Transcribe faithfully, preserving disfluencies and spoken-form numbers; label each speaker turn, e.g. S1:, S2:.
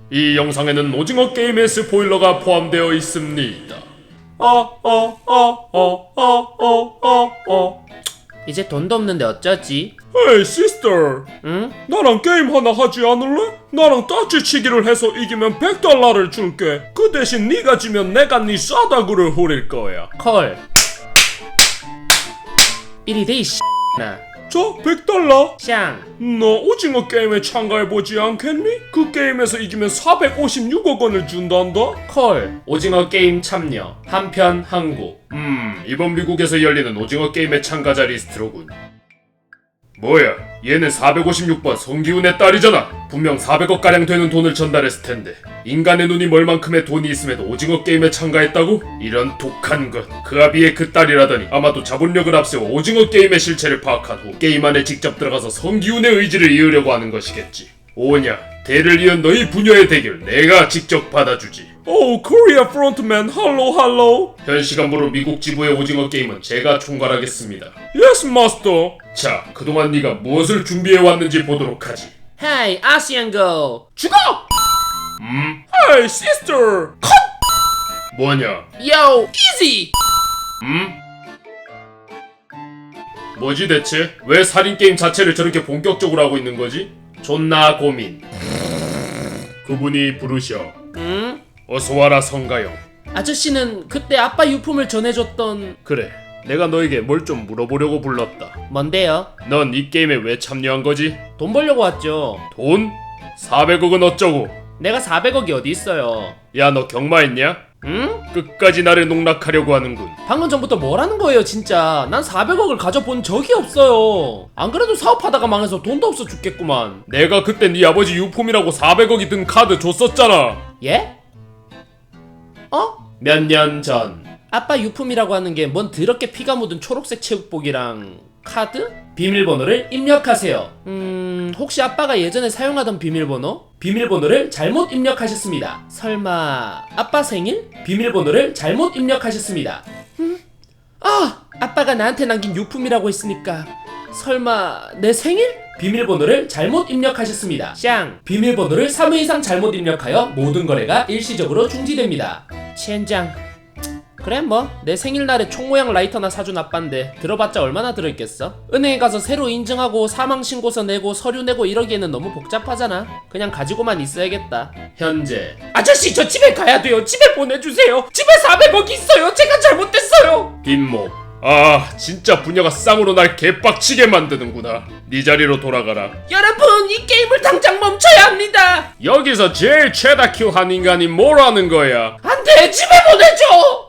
S1: 이 영상에는 오징어 게임의 스포일러가 포함되어 있습니다.
S2: 어어어어어어어 이제 돈도 없는데 어쩌지?
S1: 헤이 시스터,
S2: 응?
S1: 나랑 게임 하나 하지 않을래? 나랑 따지치기를 해서 이기면 백 달러를 줄게. 그 대신 네가 지면 내가 네 싸다구를 후릴 거야.
S2: 콜. 이리 돼 이 나.
S1: 자, 백 달러.
S2: 샹.
S1: 너 오징어 게임에 참가해보지 않겠니? 그 게임에서 이기면 사백오십육억 원을 준단다?
S2: 콜.
S1: 오징어 게임 참여 한편 한국. 음, 이번 미국에서 열리는 오징어 게임의 참가자 리스트로군. 뭐야, 얘는 사백오십육 번 성기훈의 딸이잖아. 분명 사백억가량 되는 돈을 전달했을 텐데 인간의 눈이 멀 만큼의 돈이 있음에도 오징어 게임에 참가했다고? 이런 독한 것. 그와 비해 그 딸이라더니 아마도 자본력을 앞세워 오징어 게임의 실체를 파악한 후 게임 안에 직접 들어가서 성기훈의 의지를 이으려고 하는 것이겠지. 오냐, 대를 이은 너희 부녀의 대결 내가 직접 받아주지. 오, 코리아 프론트맨 할로 할로. 현 시간부로 미국 지부의 오징어 게임은 제가 총괄하겠습니다. 예스 마스터. 자, 그동안 네가 무엇을 준비해왔는지 보도록 하지.
S2: 헤이 아시안고 죽어!
S1: 음? 헤이 시스터. 컷! 뭐냐?
S2: 요 이지!
S1: 음? 뭐지 대체? 왜 살인게임 자체를 저렇게 본격적으로 하고 있는 거지? 존나 고민. 그분이 부르셔.
S2: 응?
S1: 어서와라 성가영.
S2: 아저씨는 그때 아빠 유품을 전해줬던...
S1: 그래, 내가 너에게 뭘 좀 물어보려고 불렀다.
S2: 뭔데요?
S1: 넌 이 게임에 왜 참여한 거지?
S2: 돈 벌려고 왔죠.
S1: 돈? 사백억은 어쩌고?
S2: 내가 사백억이 어디 있어요.
S1: 야, 너 경마했냐?
S2: 응?
S1: 끝까지 나를 농락하려고 하는군.
S2: 방금 전부터 뭐라는 거예요 진짜. 난 사백억을 가져본 적이 없어요. 안 그래도 사업하다가 망해서 돈도 없어 죽겠구만.
S1: 내가 그때 네 아버지 유품이라고 사백억이 든 카드 줬었잖아.
S2: 예? 어?
S1: 몇 년 전.
S2: 아빠 유품이라고 하는 게 뭔 더럽게 피가 묻은 초록색 체육복이랑 카드? 비밀번호를 입력하세요. 음... 혹시 아빠가 예전에 사용하던 비밀번호? 비밀번호를 잘못 입력하셨습니다. 설마... 아빠 생일? 비밀번호를 잘못 입력하셨습니다. 음? 아! 아빠가 나한테 남긴 유품이라고 했으니까 설마... 내 생일? 비밀번호를 잘못 입력하셨습니다. 샹! 비밀번호를 삼 회 이상 잘못 입력하여 모든 거래가 일시적으로 중지됩니다. 첸장... 그래 뭐 내 생일날에 총 모양 라이터나 사준 아빠인데 들어봤자 얼마나 들어있겠어? 은행에 가서 새로 인증하고 사망신고서 내고 서류 내고 이러기에는 너무 복잡하잖아. 그냥 가지고만 있어야겠다.
S1: 현재.
S2: 아저씨 저 집에 가야 돼요. 집에 보내주세요. 집에 사백억이 있어요. 제가 잘못됐어요.
S1: 빈모. 아, 진짜 부녀가 쌍으로 날 개빡치게 만드는구나. 네 자리로 돌아가라.
S2: 여러분 이 게임을 당장 멈춰야 합니다.
S1: 여기서 제일 최다 큐 한 인간이 뭐라는 거야?
S2: 안돼 집에 보내줘.